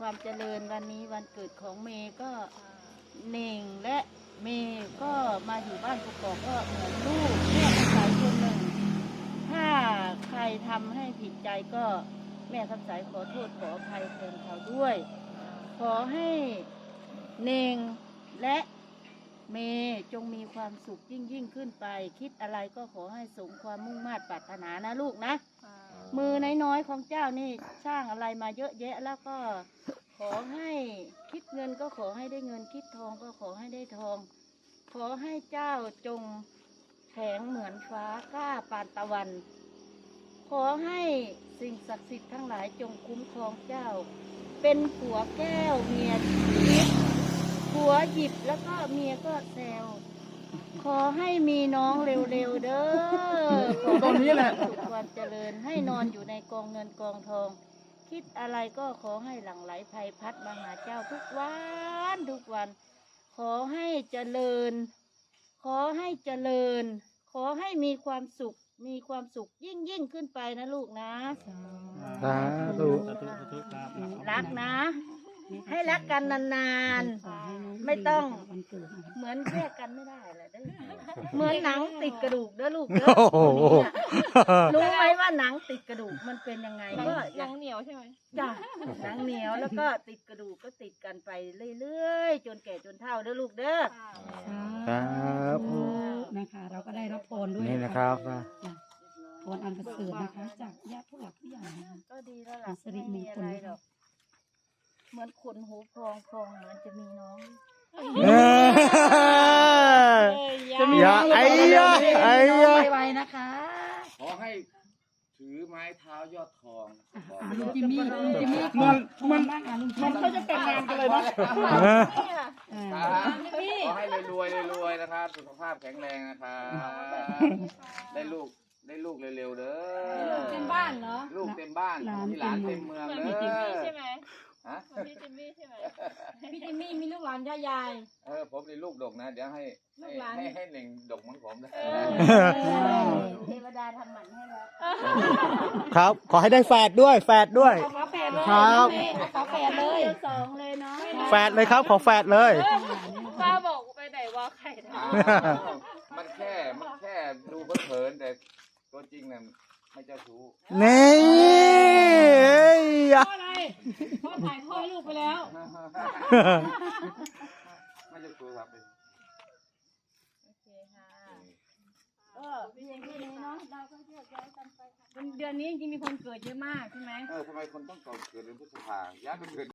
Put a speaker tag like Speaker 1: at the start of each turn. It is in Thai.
Speaker 1: ความเจริญวันนี้วันเกิดของเมย์ก็เน่งและเมย์ก็มาอยู่บ้านกกอกก็เหมือนลูกแม่คำสายคนหนึ่งถ้าใครทำให้ผิดใจก็แม่คำสายขอโทษขออภัยแทนเขาด้วย ขอให้เน่งและเมย์จงมีความสุขยิ่งขึ้นไปคิดอะไรก็ขอให้สมความมุ่งมา่ปรารถนานะลูกนะมือน้อยๆของเจ้านี่สร้างอะไรมาเยอะแยะแล้วก็ขอให้คิดเงินก็ขอให้ได้เงินคิดทองก็ขอให้ได้ทองขอให้เจ้าจงแข็งเหมือนฟ้ากล้าปานตะวันขอให้สิ่งศักดิ์สิทธิ์ทั้งหลายจงคุ้มครองเจ้าเป็นผัวแก้วเมียทิพย์ผัวหยิบแล้วก็เมียก็แซวขอให้มีน้องเร็วๆเด้อขอให้มีความสุขความเจริญให้นอนอยู่ในกองเงินกองทองคิดอะไรก็ขอให้หลั่งไหลไพพัดมาหาเจ้าทุกวันทุกวันขอให้เจริญขอให้เจริญขอให้มีความสุขยิ่งขึ้นไปนะลูกนะ
Speaker 2: สาธุ
Speaker 1: รักนะ ให้รักกันนานๆไม่ต้องเหมือนแยกกันไม่ได้แหละเด้อเหมือนหนังติดกระดูกเด้อลูกเด้อ
Speaker 2: โอ้โห
Speaker 1: รู้ไหมว่าหนังติดกระดูกมันเป็นยังไงก็
Speaker 3: หนังเหนียวใช่ไหม
Speaker 1: จ้ะหนังเหนียวแล้วก็ติดกระดูกก็ติดกันไปเรื่อยๆจนแก่จนเฒ่าเด้อลูกเด้อ
Speaker 2: ครับ
Speaker 4: นะคะ เราก็ได้รับพรด้วย
Speaker 2: นี่นะครับ
Speaker 4: พรอันประเสริฐนะคะ จากญาติผู้หลักผู้ใหญ่นะคะ
Speaker 1: ก็ดีแล้วล่ะ
Speaker 4: สิริ
Speaker 1: ไม่
Speaker 4: มง
Speaker 1: มี
Speaker 4: ค
Speaker 1: อะ
Speaker 4: ล
Speaker 1: ไรหรอกเหมือนขนหูพองเหมือนจะมีน้อง
Speaker 2: อย่าไอ้ยะไอ้ยะ
Speaker 4: ไวๆนะคะ
Speaker 5: ขอให้ถือไม้เท้ายอดทองบอก
Speaker 4: ลุงจิมมี่มันบ้างอ่ะลุงจิมมี่เขาจะแต่งงานกันเลยนะ
Speaker 5: ขอให้รวยๆนะครับ สุขภาพแข็งแรงนะครับได้ลูกเร็วๆเด้อ
Speaker 3: เต็มบ้านเหรอ
Speaker 5: ลูกเต็มบ้านมีหลานเต็มเมือง
Speaker 3: เหมือน
Speaker 5: เด้
Speaker 3: พี่จิมมี่
Speaker 5: อ
Speaker 3: ใช่ไหม
Speaker 5: ฮะ
Speaker 3: เหมือนพี่จิมมี่ใช่ไหม
Speaker 4: พี่จิมมี่มีลูกหลานย่ายาย
Speaker 5: ผมนี่ลูกดกนะเดี๋ยวให้หนึ่งดกเหมือนผมนะ
Speaker 1: เทวดาทำหมันให้แล้ว
Speaker 2: ครับ ขอให้ได้แฝดด้วยแฝดด้วย
Speaker 4: ขอแฝดเลย
Speaker 2: ครับ
Speaker 4: ขอแฝดเลย
Speaker 1: สองเลยเนาะ
Speaker 2: แฝดเลยครับ ขอแฝดเลย
Speaker 3: ป้าบอกไปไหนว่าไข่ทอ
Speaker 5: มันแค่ดูเผินๆแต่ตัวจริงน่ะไม่เจ้าชู้
Speaker 2: นี่เอ้ย
Speaker 4: พ่ออะไรพ่อถ่ายพ่อลูกไปแล้ว
Speaker 5: ไม่เจ้าชู้ครับ
Speaker 1: โอเคค่ะก็เพียงแค่นี้เนาะเราก็แยกย้ายกันไปค่ะ
Speaker 4: เดือนนี้จริงๆมีคนเกิดเยอะมากใช่ไหม
Speaker 5: ทำไมคนต้องเกิดเดือนพฤษภาย้ายไปเกิด